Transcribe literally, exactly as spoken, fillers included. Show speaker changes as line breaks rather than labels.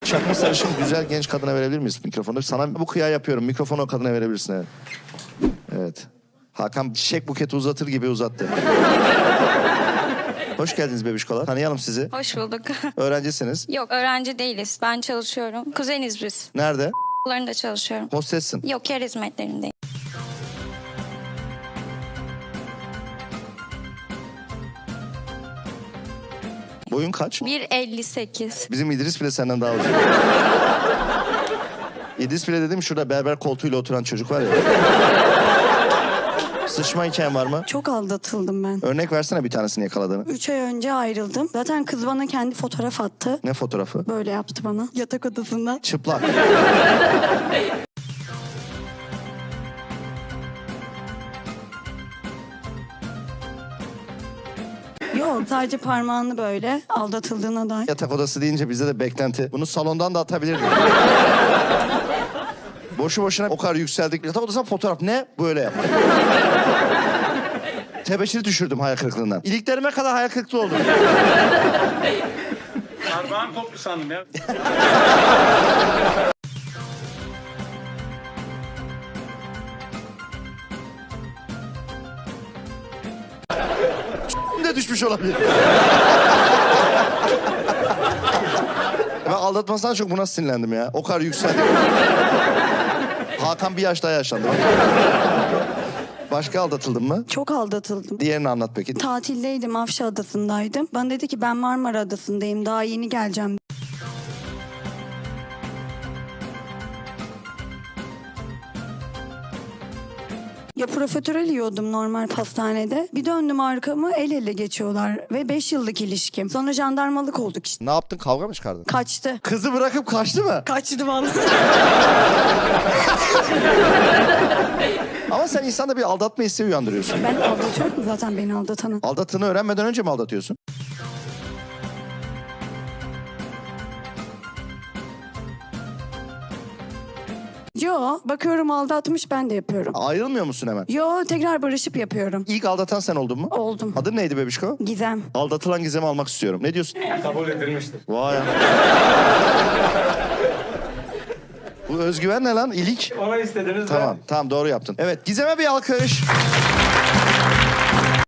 Çakma sarışın güzel genç kadına verebilir miyiz mikrofonu? Sana bu kıya yapıyorum. Mikrofonu o kadına verebilirsin, evet. Evet. Hakan çiçek buketi uzatır gibi uzattı. Hoş geldiniz bebişkolar. Tanıyalım sizi.
Hoş bulduk.
Öğrencisiniz.
Yok, öğrenci değiliz. Ben çalışıyorum. Kuzeniz biz.
Nerede?
Okullarında çalışıyorum.
Hostessin.
Yok, yer hizmetlerindeyim.
Boyun kaç?
bir elli sekiz.
Bizim İdris bile senden daha uzun. İdris bile dedim, şurada berber koltuğuyla oturan çocuk var ya. Sıçma hikayen var mı?
Çok aldatıldım ben.
Örnek versene bir tanesini yakaladığını.
Üç ay önce ayrıldım. Zaten kız bana kendi fotoğraf attı.
Ne fotoğrafı?
Böyle yaptı bana. Yatak odasında.
Çıplak.
Yok, sadece parmağını böyle aldatıldığına dair.
Yatak odası deyince bizde de beklenti. Bunu salondan da atabilirdik. Boşu boşuna o kadar yükseldik. Yatak odasına fotoğraf ne? Böyle yap. Tebeşiri düşürdüm hayal kırıklığından. İliklerime kadar hayal kırıklığı oldum.
Parmağım koptu sandım ya.
de düşmüş olabilir. Ben aldatmasından çok buna sinirlendim ya. O kadar yükseldik. Hakan bir yaş daha yaşlandı. Başka aldatıldın mı?
Çok aldatıldım.
Diğerini anlat peki.
Tatildeydim, Afşa Adası'ndaydım. Bana dedi ki ben Marmara Adası'ndayım, daha yeni geleceğim. Ya profiterol yiyordum normal pastanede. Bir döndüm arkamı, el ele geçiyorlar. Ve beş yıllık ilişkim. Sonra jandarmalık olduk işte.
Ne yaptın? Kavga mı çıkardın?
Kaçtı.
Kızı bırakıp kaçtı mı?
Kaçtı vallahi.
Ama sen insanda bir aldatma hissi uyandırıyorsun.
Ben aldatıyorum zaten beni aldatanı.
Aldattığını öğrenmeden önce mi aldatıyorsun?
Yo, bakıyorum aldatmış, ben de yapıyorum.
Ayrılmıyor musun hemen?
Yo, tekrar barışıp yapıyorum.
İlk aldatan sen oldun mu?
Oldum.
Adın neydi bebişko?
Gizem.
Aldatılan Gizem'i almak istiyorum. Ne diyorsun?
Kabul edilmiştir.
Vay. Bu özgüven ne lan? İlik.
Ona istediniz
Tamam, tamam doğru yaptın. Evet, Gizem'e bir alkış.